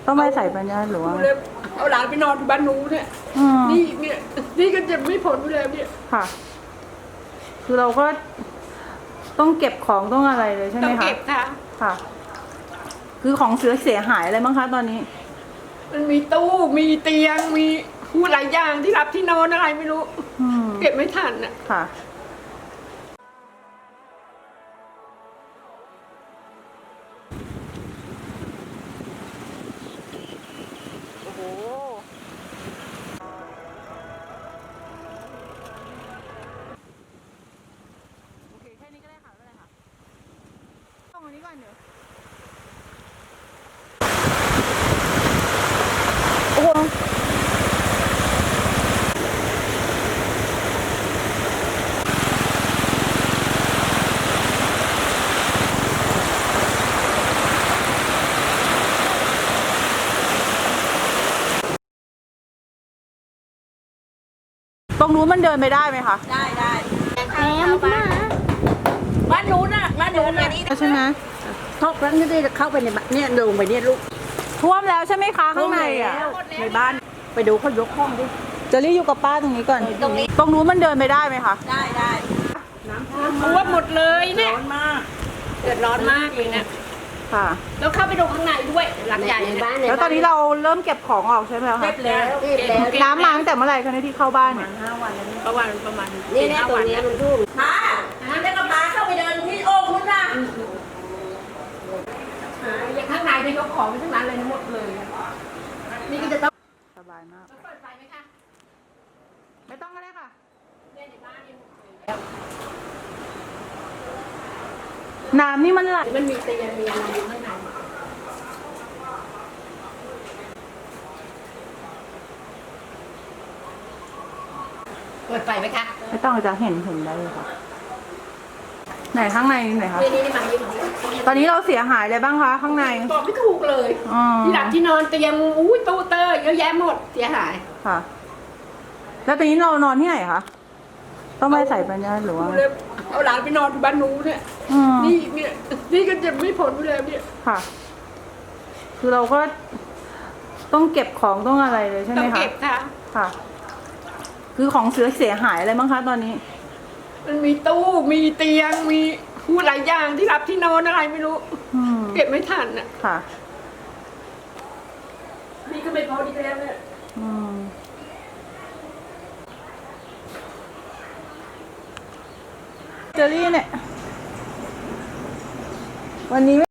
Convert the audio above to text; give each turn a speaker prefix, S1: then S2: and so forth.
S1: ต้องไม่ใส่ปัญญาหรือว่า
S2: เอาหลานไปนอนที่บ้านนู้นเนี่ยนี่ก็จะไม่พ้นแล้วเนี่ย
S1: ค่ะ คือเราก็ต้องเก็บของต้องอะไรเลยใช่ไหมคะ
S2: ต้องเก็บค่ะ
S1: ค่ะ คือของเสียหายอะไรบ้างคะตอนนี้
S2: มันมีตู้มีเตียงมีหลายอย่างที่รับที่นอนอะไรไม่รู้เก็บไม่ทันอ่ะ
S1: ค่ะโอ้โหโอเคแค่นี้ก็ได้ค่ะไม่เป็นไรค่ะต้องอันนี้ก่อนเดี๋ยวโอ้โหตรงนู้นมันเดินไปได้ไหมคะ
S2: ได้
S3: แม่มา
S2: บ้านนู้นน่ะบ้านนู้นน่ะ
S1: ใช่ไหม
S3: ทอกครั้งที่ได้เข้าไปในบ้านเนี่ยลงไปเนี่ยลูก
S1: ท่วมแล้วใช่ไหมคะข้างในอ่ะ
S3: ในบ้านไปดูเขายกห้องดิ
S1: เจอรี่อยู่กับป้าตรงนี้ก่อนตรงนู้นมันเดินไปได้ไหมคะ
S3: ได้น้ำ
S2: ท่วมหมดเลยเนี่ย
S3: ร้อนมาก
S2: เดือดร้อนมากเลยเนี่ย
S1: ค่ะ
S2: แล้วเข้าไปดูข้างในด้วยหลังใหญ่ในบ้าน
S1: แล้วตอนนี้เราเริ่มเก็บของออกใช่ไหมคะ
S3: เก็บแล้ว
S1: น้ำมาตั้งแต่เมื่อไหร่คะเนี่ยที่เข้าบ้านเนี่ย
S3: 5 วันแล้ว
S2: ประมาณ
S3: นี่แน่ตัวนี้มันทุ่มมันจะกระบาเข้าไปเดินที่โอ่งคุณน่ะ
S2: อย่างข้างในเนี่ยยกของไปทั้งนั้นเลยหมดเลยนี่ก็จะต้อง
S1: สบายมาก
S2: เปิดไฟไหมคะ
S1: ไม่ต้องก็ได้ค่ะ
S2: เนี่ยในบ้านเนี่ย
S1: น้ำนี่มันไหล
S2: มันมีเตียงมีอะไรอยู่ข้างในเปิดไฟไหมคะ
S1: ไม่ต้องจะเห็นได้เลยค่ะไหนข้างในไหนคะ
S2: นี่มาอยู่
S1: ตอนนี้เราเสียหายอะไรบ้างคะข้างใน
S2: บอกไม่ถูกเลยที่หลับที่นอนเตียงตู้เตอร์เยอะแยะหมดเสียหาย
S1: ค่ะ แล้วตอนนี้เรานอนที่ไหนคะต้องไม่ใส่ปัญญาหรือว่า
S2: เอาหลานไปนอนที่บ้านนู้นเนี่ยนี่ก็จะไม่พ้นแล้วเนี่ย
S1: ค่ะ คือเราก็ต้องเก็บของต้องอะไรเลยใช่ไหมคะ
S2: ต้องเก็บค่ะ
S1: ค่ะ คือของเสียหายอะไรบ้างคะตอนนี้
S2: มันมีตู้มีเตียงมีหลายอย่างที่รับที่นอนอะไรไม่รู้เก็บไม่ทันอ่ะ
S1: ค่ะ
S2: นี่ก็ไม่พอดีแล้วเนี่ย
S1: เจอรี่เนี่ยวันนี้